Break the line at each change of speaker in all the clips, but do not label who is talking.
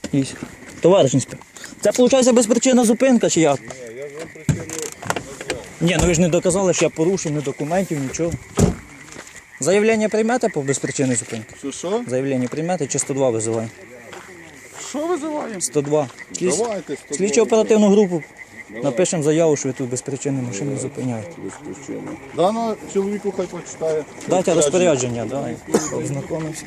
Товариш інспектор. Це, виходить, безпричинна зупинка чи як?
Ні, я ж вам причину назвав.
Ні, ну ви ж не доказали, що я порушив, ні документів, нічого. Заявлення приймете по безпричинній зупинці?
Що?
Заявлення приймете чи 102 визиваємо?
Що визиваємо?
102.
Давайте 102.
Слідчо оперативну групу. Напишемо заяву, що ви тут безпричинну машину зупиняєте.
Без причини. Дано чоловіку хай почитає.
Дайте розпорядження, дай. Ознакомився.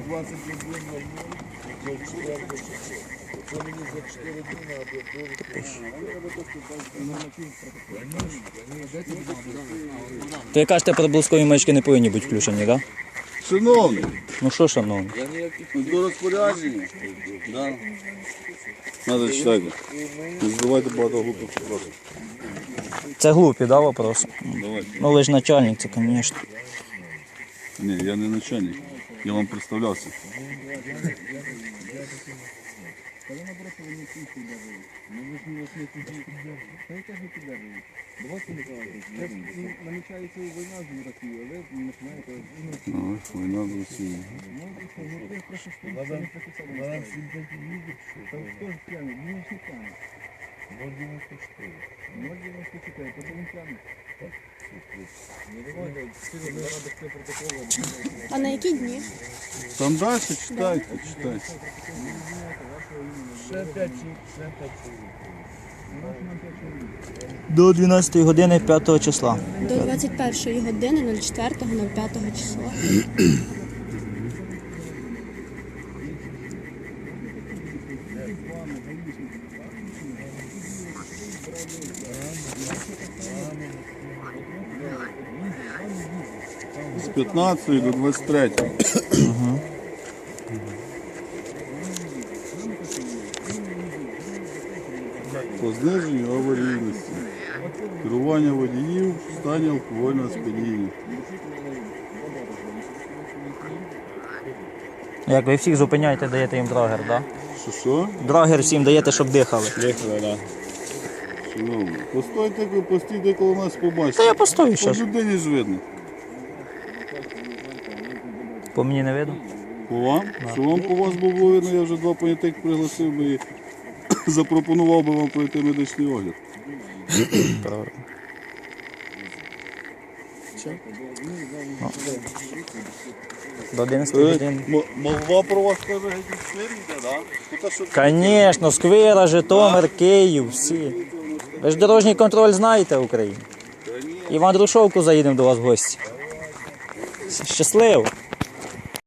То ви кажете, проблискові маячки не повинні бути включені, так?
Шановний,
Ну що, шановні?
до розпорядження. Да. Надо читати. Не задавайте багато глупих вопросів.
Це глупі, да, вопрос?
Давайте.
Ну ви ж начальник, це, звісно.
Ні, я не начальник. Я вам представлявся.
Намічається війна з Росією, але ви починаєте...
Ось, війна з Росією.
Хто ж п'яний? Він ж не п'яний. 0,94. 0,94, то він п'яний.
А на які дні?
Там далі читайте, читайте.
До 12 години 5 числа.
До 21 години 04.05 числа.
З 15 до 23. По зниженню аварійності. Керування водіїв в стані алкогольного сп'яніння.
Як ви всіх зупиняєте, даєте їм драгер, так? Да?
Що?
Драгер всім даєте, щоб дихали.
Дихали, так. Шановні, постійте коло нас побачите.
Та я постою
По
зараз.
людині ж видно.
По мені не видно?
По вам? Що вам по вас було видно, я вже 2 понятих пригласив би і запропонував би вам пройти медичний огляд.
Правильно. До 11 годин.
Молва про вас каже, геть слідніте, так?
Звісно, Сквира, Житомир, Київ, всі. Ви ж дорожній контроль знаєте в Україні. Іван Друшовку заїдемо до вас в гості. Щасливо!